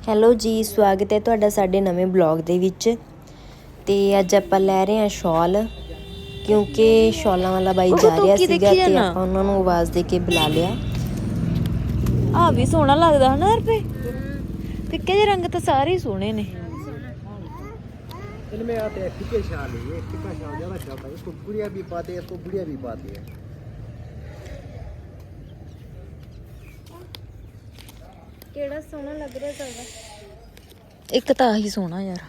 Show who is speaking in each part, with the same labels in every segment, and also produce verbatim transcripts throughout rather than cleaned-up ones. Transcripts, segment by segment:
Speaker 1: Hello ਜੀ, ਸਵਾਗਤ ਹੈ ਤੁਹਾਡਾ ਸਾਡੇ ਨਵੇਂ ਬਲੌਗ ਦੇ ਵਿੱਚ। ਤੇ ਅੱਜ ਆਪਾਂ ਲੈ ਰਹੇ ਹਾਂ ਸ਼ਾਲ, ਕਿਉਂਕਿ ਸ਼ਾਲਾਂ ਵਾਲਾ ਬਾਈ ਜਾ ਰਿਹਾ ਸੀਗਾ ਤੇ ਆਪਾਂ ਉਹਨਾਂ ਨੂੰ ਆਵਾਜ਼ ਦੇ ਕੇ ਬੁਲਾ ਲਿਆ।
Speaker 2: ਆ ਵੀ ਸੋਹਣਾ ਲੱਗਦਾ ਹਨਾ ਰੁਪਏ, ਫਿੱਕੇ ਜਿਹੇ ਰੰਗ ਤਾਂ ਸਾਰੇ ਹੀ ਸੋਹਣੇ ਨੇ।
Speaker 3: इनमें आते हैं फीके शाल, ये फीका शाल ज़्यादा चलता है। इसको गुड़िया भी पाते हैं, इसको गुड़िया भी पाते हैं।
Speaker 1: ਕਿਹੜਾ ਸੋਹਣਾ ਲੱਗ ਰਿਹਾ ਤੁਹਾਡਾ?
Speaker 2: ਇੱਕ ਤਾਂ ਆਹੀ ਸੋਹਣਾ ਯਾਰ।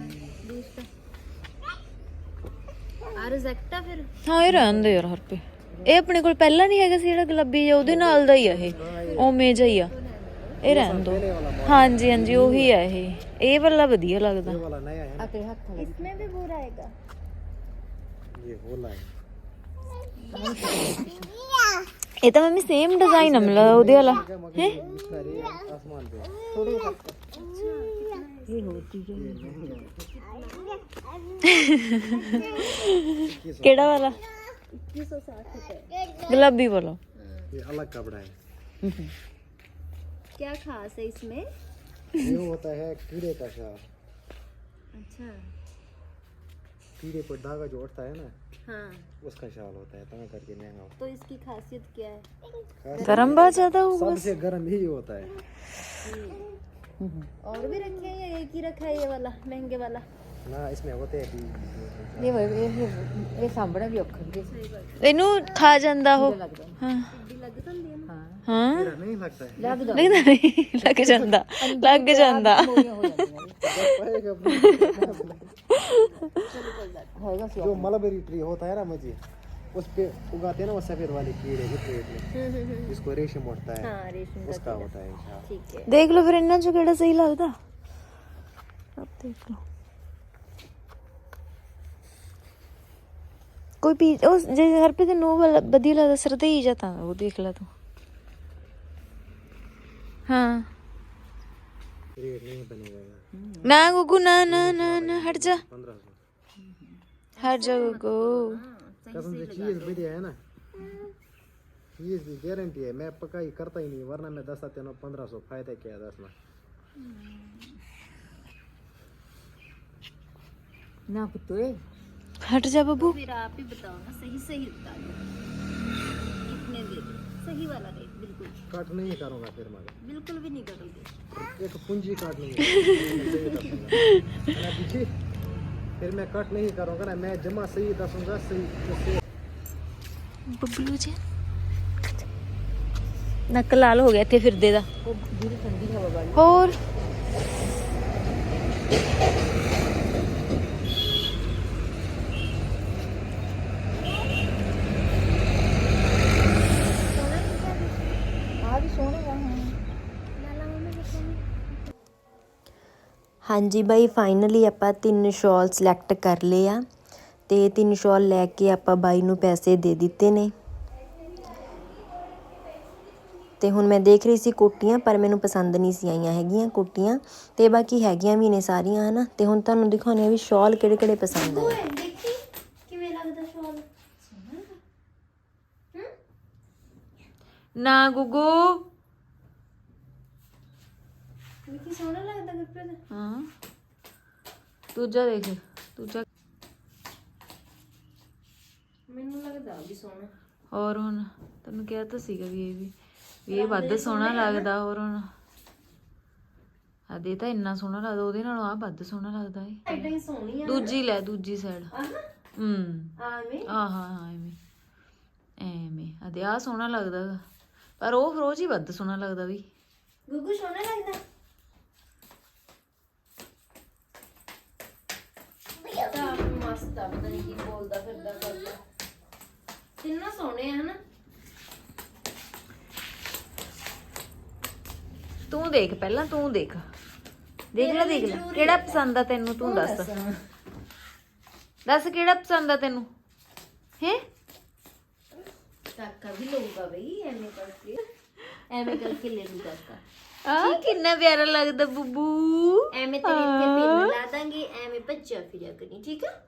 Speaker 1: ਆ ਰਿਜੈਕਟ ਆ ਫਿਰ?
Speaker 2: ਹਾਂ ਇਹ ਰਹਿਣ ਦੇ ਯਾਰ ਹਰਪੇ, ਇਹ ਆਪਣੇ ਕੋਲ ਪਹਿਲਾਂ ਨਹੀਂ ਹੈਗਾ ਸੀ ਜਿਹੜਾ ਗੁਲਾਬੀ ਜਿਹਾ, ਉਹਦੇ ਨਾਲ ਦਾ ਹੀ ਆ ਇਹ, ਉਵੇਂ ਜਿਹਾ ਹੀ ਆ। ਇਹ ਰਹਿਣ ਦੋ। ਹਾਂਜੀ ਹਾਂਜੀ ਉਹੀ ਆ ਇਹ। ਇਹ ਵਾਲਾ ਵਧੀਆ ਲੱਗਦਾ।
Speaker 3: ये वाला नया है ना,
Speaker 1: इसमें भी भूरा आएगा।
Speaker 3: ये वाला है।
Speaker 2: ਇਹ ਤਾਂ ਮੰਮੀ ਸੇਮ ਡਿਜ਼ਾਈਨ ਆ ਮਿਲਦਾ ਉਹਦੇ ਵਾਲਾ ਹੈ।
Speaker 3: इसका रे आसमान पे
Speaker 1: थोड़े
Speaker 2: ਇਹ ਹੋਤੀ ਕਿਹੜਾ ਵਾਲਾ?
Speaker 1: इक्कीस सौ साठ रुपए।
Speaker 2: ਗੁਲਾਬੀ ਵਾਲਾ।
Speaker 3: ये अलग कपड़ा है।
Speaker 1: क्या खास है इसमें?
Speaker 3: ये होता है कीड़े का शाल।
Speaker 1: अच्छा
Speaker 3: कीड़े पर धागा जो उठता है ना,
Speaker 1: हाँ,
Speaker 3: उसका शाल होता है, तना करके महंगा होता
Speaker 1: तो इसकी खासियत क्या है?
Speaker 3: है।
Speaker 2: गरम बहुत ज्यादा होगा।
Speaker 3: सबसे गर्म ही होता है।
Speaker 1: और भी रखे हैं या एक ही रखा है ये वाला महंगे वाला?
Speaker 3: ना इसमें होते हैं भी।
Speaker 1: ये सामने भी औखा भी
Speaker 2: ਇਹਨੂੰ ਖਾ ਜਾਂਦਾ ਉਹ। ਹਾਂ
Speaker 1: लग जाती है ना।
Speaker 2: ਹਾਂ
Speaker 3: मेरा नहीं लगता है।
Speaker 2: ਲੱਗਦਾ ਨਹੀਂ, ਲੱਗ ਜਾਂਦਾ ਲੱਗ ਜਾਂਦਾ।
Speaker 3: जो मलबेरी ट्री होता है ना मुझे, उस पे उगाते हैं ना वो सफेद वाले कीड़े, इतने इतने, जिसको रेशम उठता है,
Speaker 1: हाँ, रेशम का
Speaker 3: उसका होता है शाल।
Speaker 1: ठीक है।
Speaker 2: ਦੇਖ ਲਓ ਫਿਰ ਇਹਨਾਂ ਚੋਂ ਕਿਹੜਾ ਸਹੀ ਲੱਗਦਾ। ਆਪ ਦੇਖ ਲਓ ਕੋਈ ਪੀ ਉਹ ਜੇ ਹਰਪੇ ਤੇ ਨੋ ਵਾਲਾ ਵਧੀਆ ਲੱਗਦਾ ਸਰਦਈ ਜਾਂ ਤਾਂ ਉਹ ਦੇਖ ਲੈ ਤੂੰ। ਹਾਂ
Speaker 3: रेट नहीं बनेगा।
Speaker 2: ਨਾ ਗੁੱਗੂ ਨਾ ਨਾ ਨਾ ਨਾ ਹਟ ਜਾ
Speaker 3: पंद्रह सौ
Speaker 2: हट जा गुग्गू।
Speaker 3: कसम से चीज बढ़िया है ना, चीज की गारंटी है। मैं पकाई करता ही नहीं, वरना मैं दस आते ना पंद्रह सौ फायदा क्या है दस में।
Speaker 1: ना पुत्रे,
Speaker 2: हट जा बब्बू।
Speaker 1: फिर आप ही बताओ ना, सही सही बता दो कितने दे दो, सही वाला रेट बिल्कुल।
Speaker 3: कट नहीं करूंगा फिर, मगर
Speaker 1: बिल्कुल भी नहीं करोगे।
Speaker 3: एक पूंजी काट नहीं पीछे, फिर मैं कट नहीं करूंगा ना, मैं जमा सही दसूंगा सही।
Speaker 2: बबलू जी नक लाल हो गया इतने फिरदे दा। और
Speaker 1: ਹਾਂਜੀ ਬਾਈ, ਫਾਈਨਲੀ ਆਪਾਂ ਤਿੰਨ ਸ਼ਾਲ ਸਿਲੈਕਟ ਕਰ ਲਏ ਆ ਤੇ ਤਿੰਨ ਸ਼ਾਲ ਲੈ ਕੇ ਆਪਾਂ ਬਾਈ ਨੂੰ ਪੈਸੇ ਦੇ ਦਿੱਤੇ ਨੇ। ਤੇ ਹੁਣ ਮੈਂ ਦੇਖ ਰਹੀ ਸੀ ਕੋਟੀਆਂ, ਪਰ ਮੈਨੂੰ ਪਸੰਦ ਨਹੀਂ ਸੀ ਆਈਆਂ ਹੈਗੀਆਂ ਕੋਟੀਆਂ, ਤੇ ਬਾਕੀ ਹੈਗੀਆਂ ਵੀ ਨੇ ਸਾਰੀਆਂ ਹਨਾ। ਤੇ ਹੁਣ ਤੁਹਾਨੂੰ ਦਿਖਾਉਂਦੇ ਆ ਵੀ ਸ਼ਾਲ ਕਿਹੜੇ ਕਿਹੜੇ ਪਸੰਦ ਆਏ।
Speaker 4: ਦੇਖੀ ਕਿਵੇਂ ਲੱਗਦਾ ਸ਼ਾਲ?
Speaker 2: ना गुगू।
Speaker 4: ਦੇਖੀ ਸੋਹਣਾ ਲੱਗਦਾ ਗੁਰਪ੍ਰੀਤ।
Speaker 2: हाँ दूजा देख दूजा।
Speaker 4: ਮੈਨੂੰ ਲੱਗਦਾ ਵੀ ਸੋਹਣਾ।
Speaker 2: और हुन तैनूं किहा तां सीगा भी ये भी ਵੀ ਇਹ ਵੱਧ ਸੋਹਣਾ ਲੱਗਦਾ। ਹੋਰ ਹੁਣ ਆ ਦੇ ਤਾਂ ਇੰਨਾ ਸੋਹਣਾ ਲੱਗਦਾ, ਉਹਦੇ ਨਾਲੋਂ ਆ ਵੱਧ ਸੋਹਣਾ ਲੱਗਦਾ ਏ।
Speaker 4: ਐਡਾ ਹੀ ਸੋਹਣੀ ਆ।
Speaker 2: ਦੂਜੀ ਲੈ, ਦੂਜੀ ਸਾਈਡ। ਹੂੰ
Speaker 4: ਆਵੇਂ
Speaker 2: ਆ ਹਾਂ ਹਾਂ ਐਵੇਂ ਐਵੇਂ ਆ ਦੇ ਆ ਸੋਹਣਾ ਲੱਗਦਾ ਗਾ, ਪਰ ਉਹ ਫਰੋਜ਼ ਹੀ ਵੱਧ ਸੋਹਣਾ ਲੱਗਦਾ ਵੀ।
Speaker 4: ਗੁੱਗੂ ਸੋਹਣਾ ਲੱਗਦਾ। ਤਾਂ ਮਸਤ ਆ, ਪਤਾ ਨਹੀਂ ਕੀ ਬੋਲਦਾ ਫਿਰਦਾ ਕਰਦਾ। ਤਿੰਨੋਂ ਸੋਹਣੇ ਆ ਹਨਾ।
Speaker 2: ਤੂੰ ਦੇਖ ਪਹਿਲਾਂ, ਤੂੰ ਦੇਖ ਦੇਖ ਲੈ ਦੇਖ ਲੈ ਕਿਹੜਾ ਪਸੰਦ ਆ ਤੈਨੂੰ, ਤੂੰ ਦੱਸ ਦੱਸ ਕਿਹੜਾ ਪਸੰਦ ਆ ਤੈਨੂੰ ਹੈ।
Speaker 4: ਕਾਕਾ ਵੀ ਲਊਗਾ ਬਈ, ਐਵੇਂ ਕਰਕੇ ਐਵੇਂ ਕਰਕੇ ਲੈ ਲੂ ਕਾਕਾ।
Speaker 2: ਆ ਕਿੰਨਾ ਪਿਆਰਾ ਲੱਗਦਾ ਬੁੱਬੂ।
Speaker 4: ਐਵੇਂ ਤੇਰੇ ਇੱਥੇ ਪਿੰਨ ਲਾ ਦਾਂਗੇ, ਐਵੇਂ ਭੱਜਿਆ ਫਿਰਿਆ ਕਰੀ, ਠੀਕ ਆ।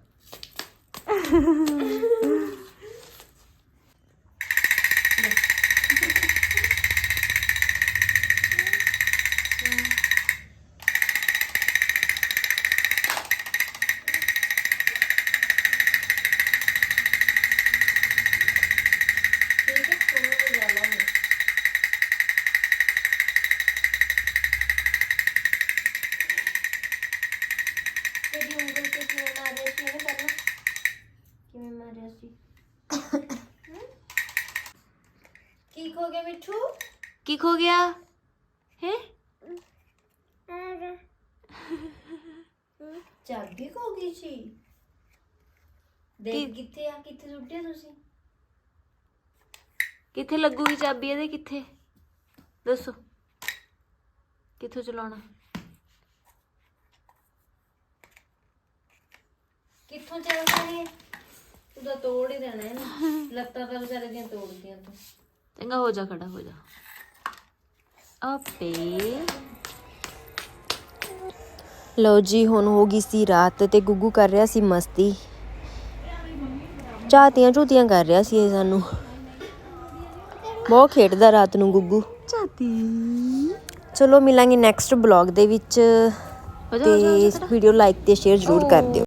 Speaker 4: ਇਹਨੇ ਪਹਿਲਾਂ ਕਿਵੇਂ ਮਾਰਿਆ ਸੀ ਕੀ ਖੋ ਗਿਆ ਮਿੱਠੂ
Speaker 2: ਕੀ ਖੋ ਗਿਆ ਹੈ
Speaker 4: ਚਾਬੀ ਖੋ ਗਈ ਸੀ ਦੇਖ ਕਿੱਥੇ ਆ ਕਿੱਥੇ ਸੁੱਟਿਆ ਤੁਸੀਂ
Speaker 2: ਕਿੱਥੇ ਲੱਗੂਗੀ ਚਾਬੀ ਇਹਦੇ ਕਿੱਥੇ ਦੱਸੋ ਕਿੱਥੋਂ ਚਲਾਉਣਾ
Speaker 4: ਕਿੱਥੋਂ ਚੱਲ ਰਹੀ ਹੈ ਤੂੰ ਤਾਂ ਤੋੜ ਹੀ ਦੇਣਾ ਇਹਨੂੰ ਲੱਤਾਂ ਤਾਂ ਵਿਚਾਰੇ ਦੀਆਂ ਤੋੜਦੀਆਂ ਤੂੰ
Speaker 2: ਚੰਗਾ ਹੋ ਜਾ ਖੜਾ ਹੋ ਜਾ ਆਪੇ
Speaker 1: ਲਓ ਜੀ ਹੁਣ ਹੋ ਗਈ ਸੀ ਰਾਤ ਤੇ ਗੁੱਗੂ ਕਰ ਰਿਹਾ ਸੀ ਮਸਤੀ ਝਾਤੀਆਂ ਝੂਤੀਆਂ ਕਰ ਰਿਹਾ ਸੀ ਇਹ ਸਾਨੂੰ ਬਹੁਤ ਖੇਡਦਾ ਰਾਤ ਨੂੰ ਗੁੱਗੂ
Speaker 2: ਚਾਤੀ
Speaker 1: ਚਲੋ ਮਿਲਾਂਗੇ ਨੈਕਸਟ ਬਲੌਗ ਦੇ ਵਿੱਚ ਤੇ ਵੀਡੀਓ ਲਾਈਕ ਤੇ ਸ਼ੇਅਰ ਜ਼ਰੂਰ ਕਰ ਦਿਓ